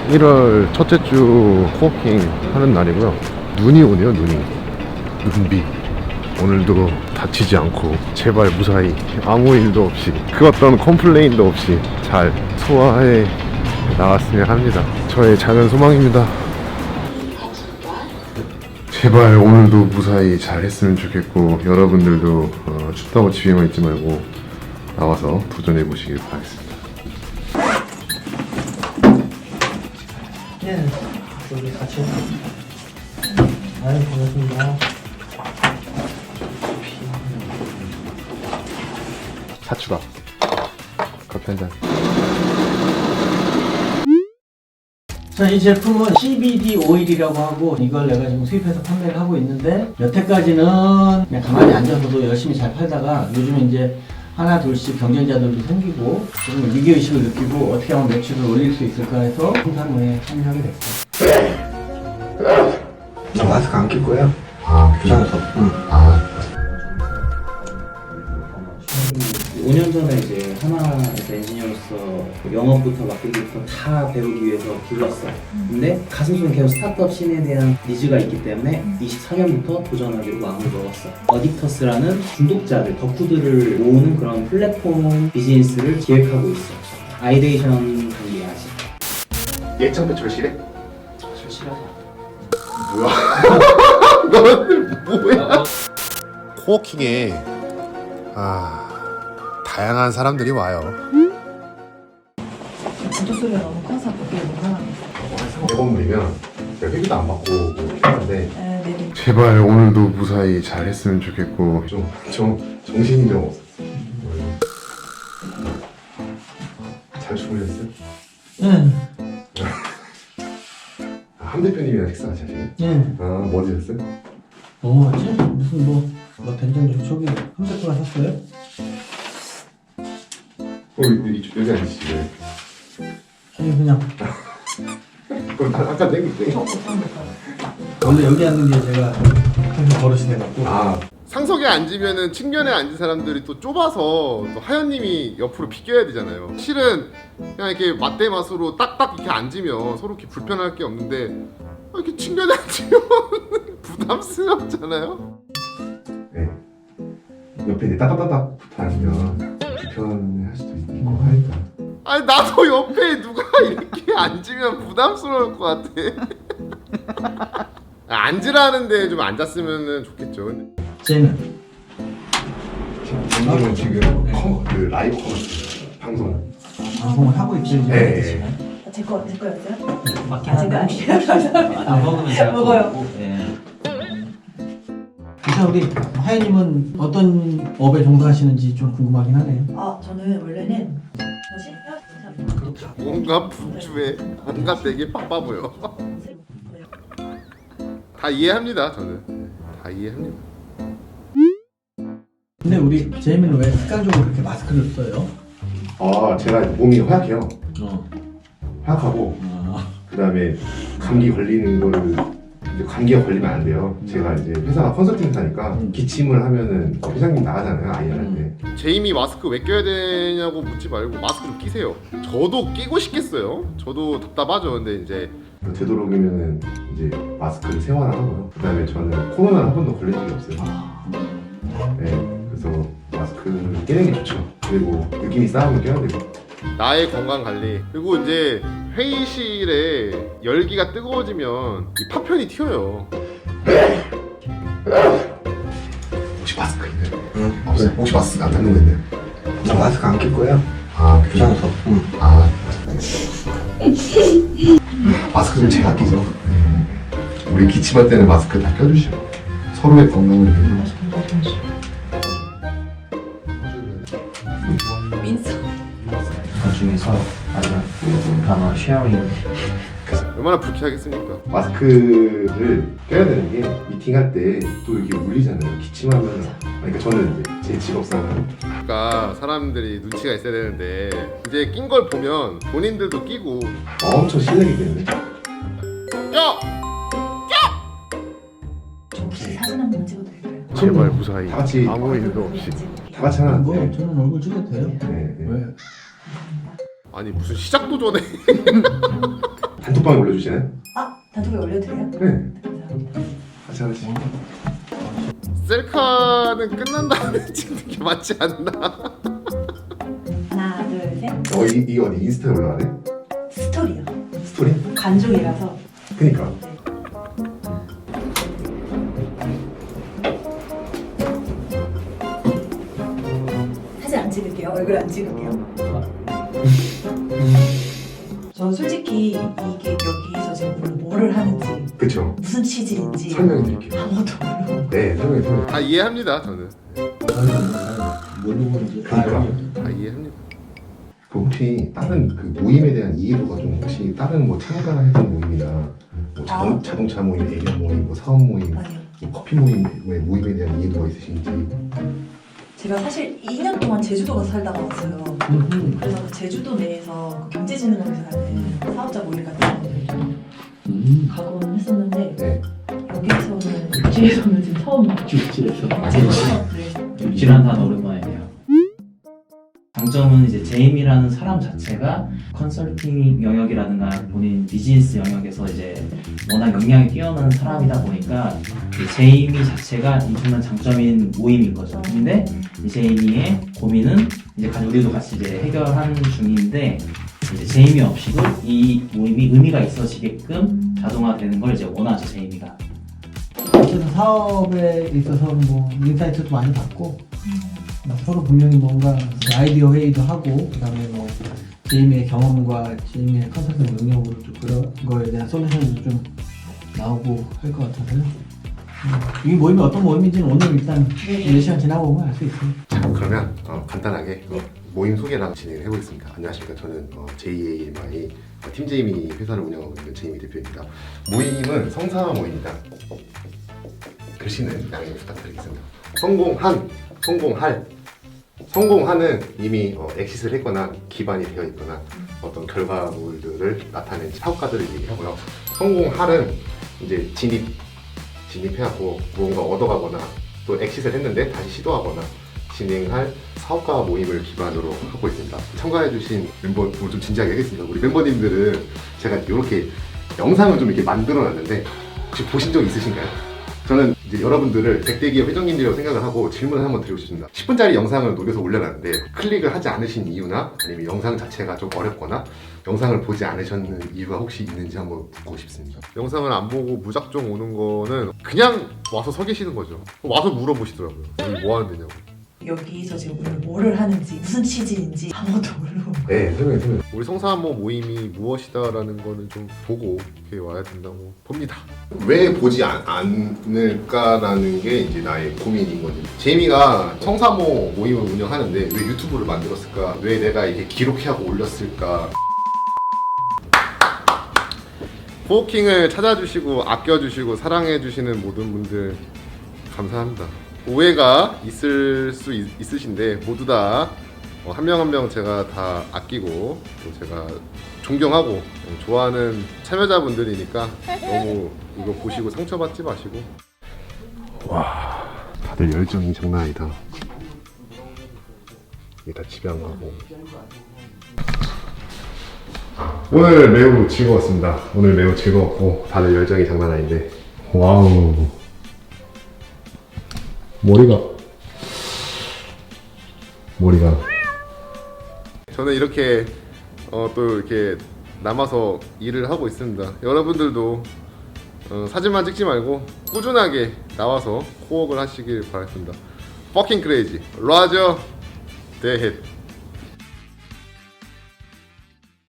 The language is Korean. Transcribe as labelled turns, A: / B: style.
A: 1월 첫째 주 코워킹 하는 날이고요. 눈이 오네요. 눈비. 오늘도 다치지 않고 제발 무사히 아무 일도 없이 그 어떤 컴플레인도 없이 잘 소화해 나갔으면 합니다. 저의 작은 소망입니다. 제발 오늘도 무사히 잘 했으면 좋겠고, 여러분들도 춥다고 집에만 있지 말고 나와서 도전해 보시길 바라겠습니다.
B: 네, 여기 같이. 아유, 반갑습니다.
A: 사추다. 커피 한 잔.
B: 자, 이 제품은 CBD 오일이라고 하고, 이걸 내가 지금 수입해서 판매를 하고 있는데, 여태까지는 그냥 가만히 앉아서도 열심히 잘 팔다가 요즘에 이제 하나 둘씩 경쟁자들도 생기고 좀 위기의식을 느끼고 어떻게 하면 매출을 올릴 수 있을까 해서 생산에 참여하게 됐어요.
C: 나 마스크 안 낄 거야.
A: 귀찮아서.
C: 응.
D: 5년 전에 이제 하나에서 엔지니어로서 영업부터 맡기기부터 다 배우기 위해서 불렀어. 근데 가슴속에 계속 스타트업 씬에 대한 니즈가 있기 때문에 24년부터 도전하기로 마음을 먹었어. 어딕터스라는 중독자들, 덕후들을 모으는 그런 플랫폼 비즈니스를 기획하고 있어. 아이데이션 관리하지.
A: 예천 배출 실해?
D: 절실하지.
A: 뭐야? 너는 뭐야? 코워킹에 다양한 사람들이 와요.
E: 구두 소리가 너무 커서 그게 뭔가.
A: 네 번물이면 회비도 안 받고 하는데
E: 네.
A: 제발 오늘도 무사히 잘 했으면 좋겠고, 좀 정신이 좀 없었어. 잘 주무셨어요?
B: 네.
A: 함 대표님이랑 식사하셨어요?
B: 네.
A: 뭐 드셨어요?
B: 뭐 하지? 무슨 뭐 된장죽 저기 컴퓨터가 샀어요?
A: 여기 앉으시죠.
B: 아니 그냥
A: 그럼 아까 내기
B: 원래 여기 앉는 게 제가 항상 버릇이 돼갖고.
A: 상석에 앉으면은 측면에 앉은 사람들이 또 좁아서 또 하연님이 옆으로 비껴야 되잖아요. 실은 그냥 이렇게 맞대맛으로 딱딱 이렇게 앉으면 서로 이렇게 불편할 게 없는데 이렇게 측면에 앉으면 부담스럽잖아요. 네. 옆에 이제 따닥따닥 붙어 앉으면 불편할 수도 있고 하니까. 아니 나도 옆에 누가 이렇게 앉으면 부담스러울 것 같아. 앉으라는데 좀 앉았으면 좋겠죠.
B: 쟤는
A: 님 지금 그 라이브 커머스
B: 방송을 하고 있지.
A: 네.
E: 제 거였어요?
B: 맞긴
E: 제가 아니에요. 감사합니다.
D: 안 먹으면 제가
E: 먹어요.
D: 네.
B: 일단 우리 하연님은 어떤 업에 종사하시는지 좀 궁금하긴 하네요.
E: 저는 원래는 뭐지?
A: 뭔가 분주해. 뭔가 되게 바빠 보여. 다 이해합니다. 저는 다 이해합니다.
B: 근데 우리 제이미는 왜 습관적으로 그렇게 마스크를 써요?
A: 제가 몸이 허약해요.
B: 어.
A: 허약하고 그 다음에 감기 걸리는 거를 이제 감기가 걸리면 안 돼요. 제가 이제 회사가 컨설팅 회사니까 기침을 하면은 회장님 나가잖아요. 아이한테. 제이미 마스크 왜 껴야 되냐고 묻지 말고 마스크 좀 끼세요. 저도 끼고 싶겠어요. 저도 답답하죠. 근데 이제 되도록이면은 이제 마스크를 생활하고요. 그 다음에 저는 코로나 한 번도 걸린 적이 없어요. 네, 그래서 마스크를 끼는 게 좋죠. 그리고 느낌이 싸우면 껴야 되고. 나의 건강 관리. 그리고 이제 회의실에 열기가 뜨거워지면 이 파편이 튀어요. 혹시 마스크 있나요?
C: 응.
A: 없어요. 혹시 마스크 안 갖는 거 있나요?
C: 나 마스크 안 낄 거야.
A: 귀찮아서.
C: 응.
A: 마스크 좀 제가 끼죠. 우리 기침할 때는 마스크 다 껴주시고 서로의 건강을 위해서.
E: 민서.
D: 그 중에서 아주 단어 쉐어링.
A: 얼마나 불쾌하겠습니까? 마스크를 껴야 되는 게 미팅할 때 또 이게 울리잖아요. 기침하면. 그러니까 저는 이제 제 직업상은 그러니까 사람들이 눈치가 있어야 되는데 이제 낀 걸 보면 본인들도 끼고 엄청 실례기 때문에 껴!
E: 혹시 사진 한 번 찍어도 될까요?
A: 제발 무사히 다 같이 아무 일도 없이 다 같이 하나.
B: 뭐 저는 얼굴 찍어도 돼요.
A: 네.
B: 왜?
A: 아니 무슨 시작도 전에 단톡방에 올려주시나요?
E: 아, 단톡에 올려드려요?
A: 네.
E: 감사합니다.
A: 같이 하나씩. 셀카는 끝난 다음에 찍는 게 맞지 않나?
E: 하나, 둘, 셋.
A: 이 어디 인스타에 올라가네?
E: 스토리요.
A: 스토리?
E: 간종이라서.
A: 그니까.
E: 사진 안 찍을게요. 얼굴 안 찍을게요. 저 솔직히 이게 여기서 지금 뭐를 하는지
A: 그쵸.
E: 무슨 취지인지
A: 설명해 드릴게요.
E: 아무것도 모르고
A: 네, 설명해 드릴게요. 아, 이해합니다, 저는.
B: 뭘로 보는지
A: 그러니까. 이해합니다. 그 혹시 다른 그 모임에 대한 이해도가 좀 혹시 다른 뭐 참가했던 모임이나 뭐 자동차 모임, 애견 모임, 뭐 사업 모임,
E: 아니요.
A: 뭐 커피 모임에 대한 이해도가 있으신지.
E: 제가 사실 2년 동안 제주도 가서 살다가 왔어요. 그래서 그 제주도 내에서 그 경제진흥원에서 하는 사업자 모임 같은 거를 좀 가곤 했었는데
A: 네.
E: 여기서는 육지에서는 지금 처음 봐요.
B: 육지에서
E: 네.
D: 육지란 단어 오랜만이네요. 장점은 이제 제임이라는 사람 자체가 컨설팅 영역이라든가 본인 비즈니스 영역에서 이제 워낙 역량이 뛰어난 사람이다 보니까 이 제이미 자체가 엄청난 장점인 모임인 거죠. 근데 이 제이미의 고민은 이제 우리도 같이 이제 해결하는 중인데 이제 제이미 없이도 이 모임이 의미가 있어지게끔 자동화되는 걸 이제 원하죠, 제이미가.
B: 그래서 사업에 있어서 뭐 인사이트도 많이 받고 서로 분명히 뭔가 아이디어 회의도 하고 그다음에 뭐 제이미의 경험과 제이미의 컨설팅 능력으로 좀 그런 거에 대한 솔루션도 좀 나오고 할 것 같아서요. 이 모임이 어떤 모임인지는 오늘 일단 몇 시간 지나고 보면 알 수 있어요.
A: 자, 그러면 간단하게 모임 소개랑 진행을 해보겠습니다. 안녕하십니까. 저는 JAMI 팀 제이미 회사를 운영하고 있는 제이미 대표입니다. 모임은 성사 모임이다. 글씨는 양해 부탁드리겠습니다. 성공한은 이미 엑시스를 했거나 기반이 되어 있거나 어떤 결과물들을 나타낸 사업가들을 얘기하고요. 성공할은 이제 진입해갖고 무언가 얻어가거나 또 엑시스를 했는데 다시 시도하거나 진행할 사업가 모임을 기반으로 하고 있습니다. 참가해주신 멤버 오늘 좀 진지하게 하겠습니다. 우리 멤버님들은 제가 이렇게 영상을 좀 이렇게 만들어놨는데 혹시 보신 적 있으신가요? 저는 이제 여러분들을 100대 기업 회장님들이라고 생각을 하고 질문을 한번 드리고 싶습니다. 10분짜리 영상을 녹여서 올려놨는데 클릭을 하지 않으신 이유나 아니면 영상 자체가 좀 어렵거나 영상을 보지 않으셨는 이유가 혹시 있는지 한번 묻고 싶습니다. 영상을 안 보고 무작정 오는 거는 그냥 와서 서 계시는 거죠. 와서 물어보시더라고요. 여기 뭐 하는 데냐고.
E: 여기서 지금 오늘 뭐를 하는지 무슨 취지인지 아무것도 모르고
A: 네, 설명해. 우리 성사모 모임이 무엇이다라는 거는 좀 보고 이렇게 와야 된다고 봅니다. 왜 보지 않을까라는 게 이제 나의 고민인 거지. 제이미가 성사모 모임을 운영하는데 왜 유튜브를 만들었을까? 왜 내가 이렇게 기록하고 올렸을까? 포킹을 찾아주시고 아껴주시고 사랑해주시는 모든 분들 감사합니다. 오해가 있을 수 있으신데 모두 다 한 명 한 명 제가 다 아끼고 또 제가 존경하고 좋아하는 참여자분들이니까 너무 이거 보시고 상처받지 마시고. 와, 다들 열정이 장난 아니다. 이게 다 집에 안 가고. 오늘 매우 즐거웠습니다. 오늘 매우 즐거웠고 다들 열정이 장난 아닌데 와우. 머리가 저는 이렇게 또 이렇게 남아서 일을 하고 있습니다. 여러분들도 사진만 찍지 말고 꾸준하게 나와서 코업을 하시길 바라겠습니다. Fucking crazy. 라저 대헷.